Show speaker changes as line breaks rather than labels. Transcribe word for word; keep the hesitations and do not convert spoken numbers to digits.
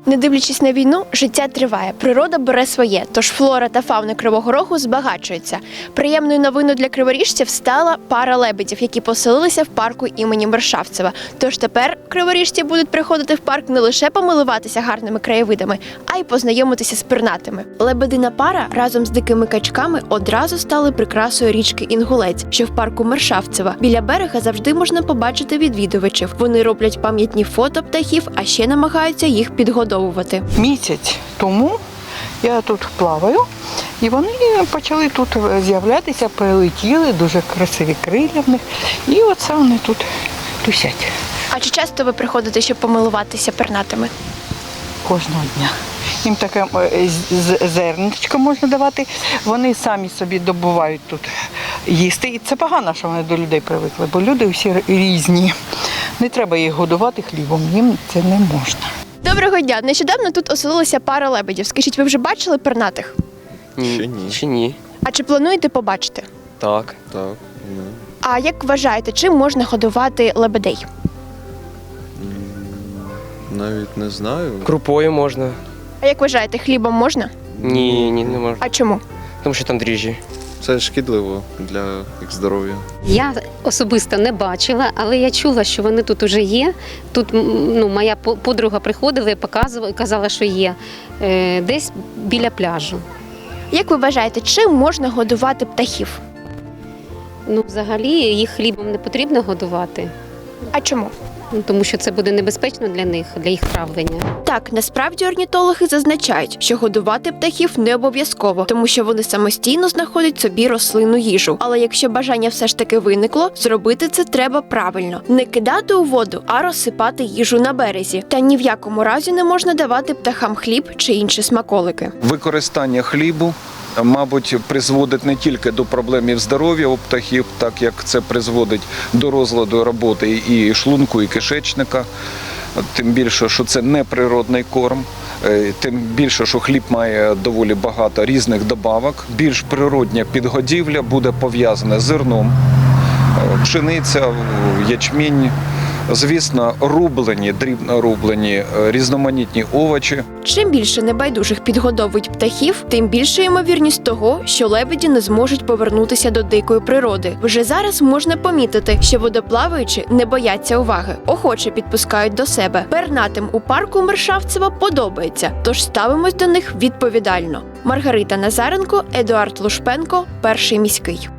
Не дивлячись на війну, життя триває, природа бере своє, тож флора та фауна Кривого Рогу збагачуються. Приємною новиною для криворіжців стала пара лебедів, які поселилися в парку імені Мершавцева. Тож тепер криворіжці будуть приходити в парк не лише помилуватися гарними краєвидами, а й познайомитися з пернатими. Лебедина пара разом з дикими качками одразу стали прикрасою річки Інгулець, що в парку Мершавцева. Біля берега завжди можна побачити відвідувачів. Вони роблять пам'ятні фото птахів, а ще намагаються їх підгодовувати.
Місяць тому я тут плаваю, і вони почали тут з'являтися, прилетіли, дуже красиві крилля в них. І оце вони тут тусять.
А чи часто ви приходите, щоб помилуватися пернатими?
Кожного дня. Їм таке зерничко можна давати, вони самі собі добувають тут їсти. І це погано, що вони до людей привикли, бо люди всі різні. Не треба їх годувати хлібом, їм це не можна.
Доброго дня! Нещодавно тут оселилася пара лебедів. Скажіть, ви вже бачили пернатих?
Ні. Ще ні. Ще ні.
А чи плануєте побачити?
Так.
Так, ну,
А як вважаєте, чим можна годувати лебедей?
навіть не знаю.
Крупою можна.
А як вважаєте, хлібом можна?
Ні, ні, не можна.
А чому?
Тому що там дріжджі.
Це шкідливо для їх здоров'я.
Я особисто не бачила, але я чула, що вони тут вже є. Тут ну, моя подруга приходила і показувала, казала, що є е, десь біля пляжу.
Як ви вважаєте, чим можна годувати птахів?
Ну, взагалі їх хлібом не потрібно годувати,
А чому?
ну, тому що це буде небезпечно для них, для їх травлення.
Так, насправді орнітологи зазначають, що годувати птахів не обов'язково, тому що вони самостійно знаходять собі рослинну їжу. Але якщо бажання все ж таки виникло, зробити це треба правильно. Не кидати у воду, а розсипати їжу на березі. Та ні в якому разі не можна давати птахам хліб чи інші смаколики.
Використання хлібу, мабуть, призводить не тільки до проблем здоров'я у птахів, так як це призводить до розладу роботи і шлунку, і кишечника. Тим більше, що це не природний корм, тим більше, що хліб має доволі багато різних добавок. Більш природня підгодівля буде пов'язана з зерном, пшениця, ячмінь. Звісно, рублені, дрібно рублені, різноманітні овочі.
Чим більше небайдужих підгодовують птахів, тим більша ймовірність того, що лебеді не зможуть повернутися до дикої природи. Вже зараз можна помітити, що водоплаваючі не бояться уваги, охоче підпускають до себе. Пернатим у парку Мершавцева подобається, тож ставимось до них відповідально. Маргарита Назаренко, Едуард Лушпенко, Перший міський.